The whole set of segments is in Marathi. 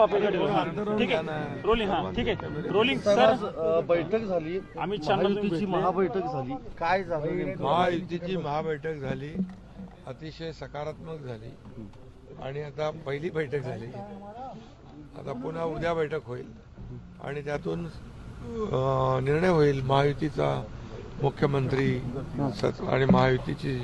आप इकडे ठीक आहे रोलिंग ठीक आहे रोलिंग सर बैठक झाली अमित शहाची महाबैठक झाली काय झालं महायुतीची महाबैठक झाली अतिशय सकारात्मक झाली आणि आता पहिली बैठक झाली आता पुन्हा उद्या बैठक होईल आणि त्यातून निर्णय होईल महायुतीचा मुख्यमंत्री आणि महायुतीची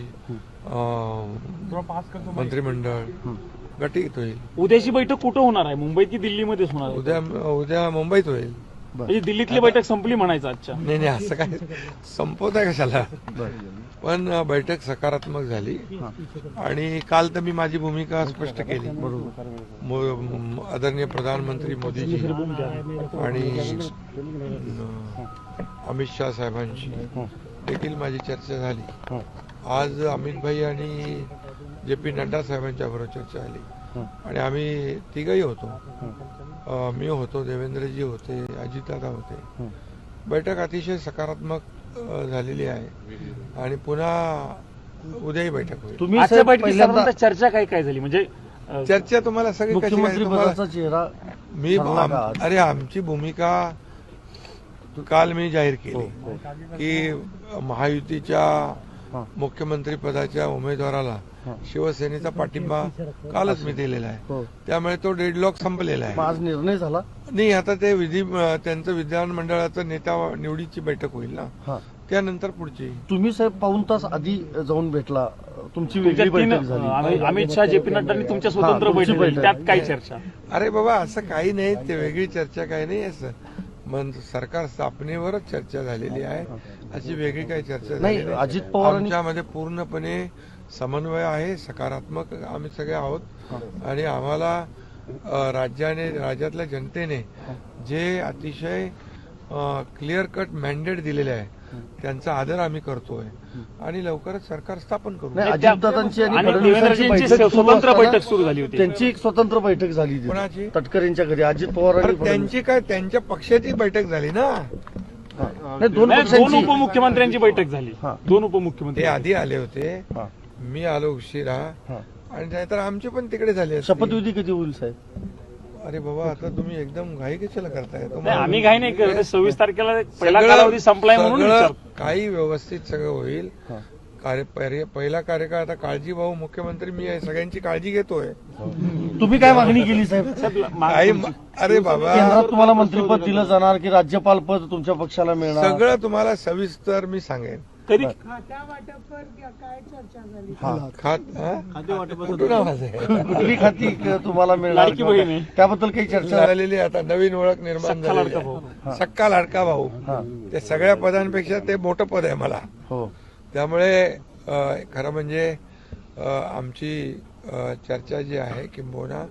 मंत्रिमंडळ गटीत होईल। उद्याची बैठक कुठं होणार आहे मुंबईत की दिल्लीमध्येच होणार आहे? उद्या मुंबईत होईल। म्हणजे दिल्लीतली बैठक संपली म्हणायचं आजच्या? नाही असं काय संपवत आहे कशाला पण बैठक सकारात्मक झाली आणि काल तर मी माझी भूमिका स्पष्ट केली। आदरणीय प्रधानमंत्री मोदीजी आणि अमित शाह साहेबांशी देखील माझी चर्चा झाली। आज अमित भाई आणि JP नड्डा साहेबांच्या बरोबर चर्चा झाली आणि आम्ही तिघही होतो। मी होतो, देवेंद्रजी होते, अजितदादा होते। बैठक अतिशय सकारात्मक झालेली आहे आणि पुन्हा उद्याही बैठक होईल। तुम्ही आजच्या बैठकीत चर्चा काय झाली म्हणजे चर्चा तुम्हाला सगळी मुख्यमंत्री पदाचा चेहरा मी अरे आमची भूमिका काल मी जाहीर केली की महायुतीच्या मुख्यमंत्री पदाच्या उमेदवाराला शिवसेनेचा पाठिंबा कालच मी दिलेला आहे त्यामुळे तो डेडलॉक संपलेला आहे। आज निर्णय झाला नाही आता ते त्यांचं विधानमंडळाचं नेता निवडीची बैठक होईल ना त्यानंतर पुढची। तुम्ही साहेब पाऊण तास आधी जाऊन भेटला तुमची वेगळी बैठक झाली अमित शाह JP नड्डांनी तुमच्या स्वतंत्र बैठक त्यात काय चर्चा? अरे बाबा असं काही नाही ते वेगळी चर्चा काही नाही असं सरकार स्थापनेवरच चर्चा झालेली आहे अशी वेगळी काही चर्चा नाही। अजित पवार आमच्यामध्ये पूर्णपणे समन्वय आहे सकारात्मक आम्ही सगळे आहोत आणि आम्हाला राज्यातल्या जनतेने जे अतिशय क्लिअर कट मॅन्डेट दिलेले आहे त्यांचा आदर आम्ही करतोय आणि लवकरच सरकार स्थापन करू। अजितदादांची आणि स्वतंत्र बैठक सुरू झाली होती त्यांची एक स्वतंत्र बैठक झाली कोणाची? तटकरेंच्या घरी अजित पवार त्यांची काय त्यांच्या पक्षाची बैठक झाली ना दोन उपमुख्यमंत्र्यांची बैठक झाली दोन उपमुख्यमंत्री ते आधी आले होते मी आलो उशिरा आणि नाहीतर आमचे पण तिकडे झाले। शपथविधी कधी होईल साहेब? अरे बाबा आता तुम्ही एकदम घाई कशाला करताय? आम्ही घाई नाही करत 26 तारखेला पहिला कालावधी संपलाय म्हणून काही व्यवस्थित सगळं होईल। पहिला कार्यकाळ आता काळजी भाऊ मुख्यमंत्री मी आहे सगळ्यांची काळजी घेतोय। तुम्ही काय मागणी केली साहेब? अरे बाबा केंद्रात तुम्हाला मंत्रिपद दिलं जाणार की राज्यपाल पद तुमच्या पक्षाला मिळणार सगळं तुम्हाला सविस्तर मी सांगेन। तरी कुठली खाती तुम्हाला मिळणार त्याबद्दल काही चर्चा झालेली आता नवीन ओळख निर्माण झाली सक्का लाडका भाऊ ते सगळ्या पदांपेक्षा ते मोठं पद आहे मला त्यामुळे खरं म्हणजे आमची चर्चा जी आहे किंबहुना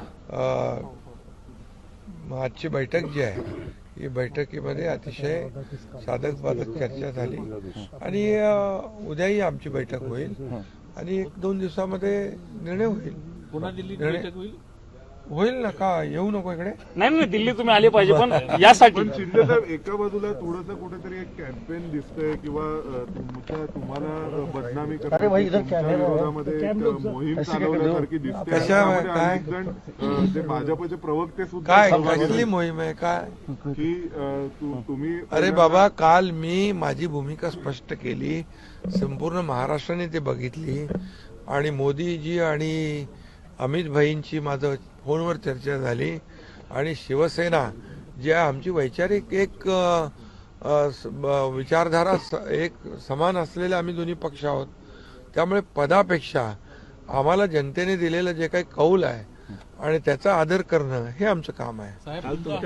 आजची बैठक जी आहे ही बैठकीमध्ये अतिशय साधक बाधक चर्चा झाली आणि उद्याही आमची बैठक होईल आणि 1-2 दिवसामध्ये निर्णय होईल। पुन्हा दिल्लीत बैठक होईल ना का येऊ नको इकडे? नाही दिल्ली तुम्ही आले पाहिजे पण यासाठी शिंदे साहेब एका बाजूला थोडंसं कुठेतरी एक कॅम्पेन दिसतंय किंवा तुम्हाला बदनामी करण्यामध्ये मोहीम चालवण्यासारखी दिसते। काय ते भाजपचे प्रवक्ते सुद्धा काय कसली मोहीम आहे काय की तुम्ही अरे बाबा काल मी माझी भूमिका स्पष्ट केली संपूर्ण महाराष्ट्राने ते बघितली आणि मोदीजी आणि अमित भाईंची माझं फोनवर चर्चा झाली आणि शिवसेना जी आमची वैचारिक एक विचारधारा एक समान असलेले आम्ही दोन्ही पक्ष आहोत त्यामुळे पदापेक्षा आम्हाला जनतेने दिलेलं जे काही कौल आहे आणि त्याचा आदर करणं हे आमचं काम आहे।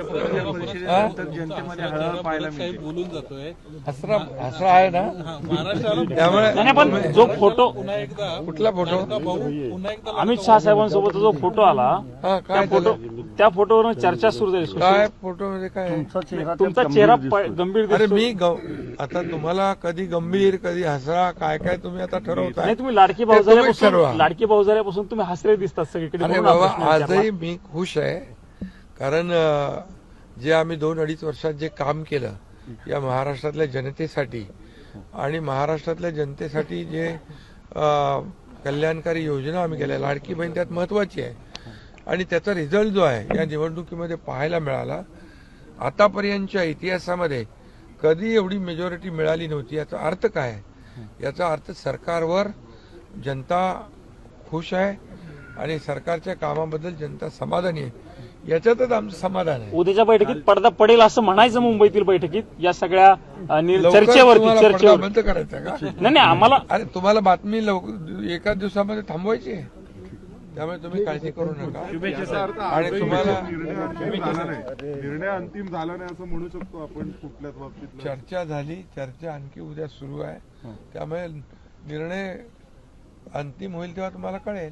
हसरा आहे ना त्यामुळे पण जो फोटो कुठला फोटो अमित शाह साहेबांसोबत जो फोटो आला त्या फोटोवर चर्चा सुरू झाली। काय फोटो मध्ये काय तुमचा चेहरा गंभीर अरे मी आता तुम्हाला कधी गंभीर कधी हसरा काय काय तुम्ही आता ठरवता नाही तुम्ही लाडकी भाऊजाऱ्यापासून तुम्ही हसरे दिसतात सगळीकडे। अरे बाबा आजही मी खुश आहे कारण जे आम्ही 2-2.5 वर्षात जे काम केलं या महाराष्ट्रातल्या जनतेसाठी आणि महाराष्ट्रातल्या जनतेसाठी जे कल्याणकारी योजना आम्ही केल्या लाडकी बहीण त्यात महत्वाची आहे आणि त्याचा रिझल्ट जो आहे या निवडणुकीमध्ये पाहायला मिळाला. आतापर्यंतच्या इतिहासामध्ये कधी एवढी मेजॉरिटी मिळाली नव्हती. याचा अर्थ काय आहे? याचा अर्थ सरकारवर जनता खुश आहे आणि सरकारच्या कामाबद्दल जनता समाधानी आहे. याच्यातच आमचं समाधान आहे. उद्याच्या बैठकीत पडदा पडेल असं म्हणायचं मुंबईतील बैठकीत या सगळ्या लवकर चर्चेवरती तुम्हाला पडदा चर्चेवर बंद करायचा का? नाही आम्हाला अरे तुम्हाला बातमी एका दिवसामध्ये थांबवायची आहे. त्यामुळे तुम्ही काळजी करू नका. आणि तुम्हाला निर्णय अंतिम झाला नाही असं म्हणू शकतो आपण कुठल्याच बाबतीत. चर्चा झाली. चर्चा आणखी उद्या सुरू आहे. त्यामुळे निर्णय अंतिम होईल तेव्हा तुम्हाला कळेल.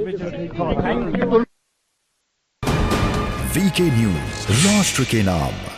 VK News, राष्ट्र के नाम.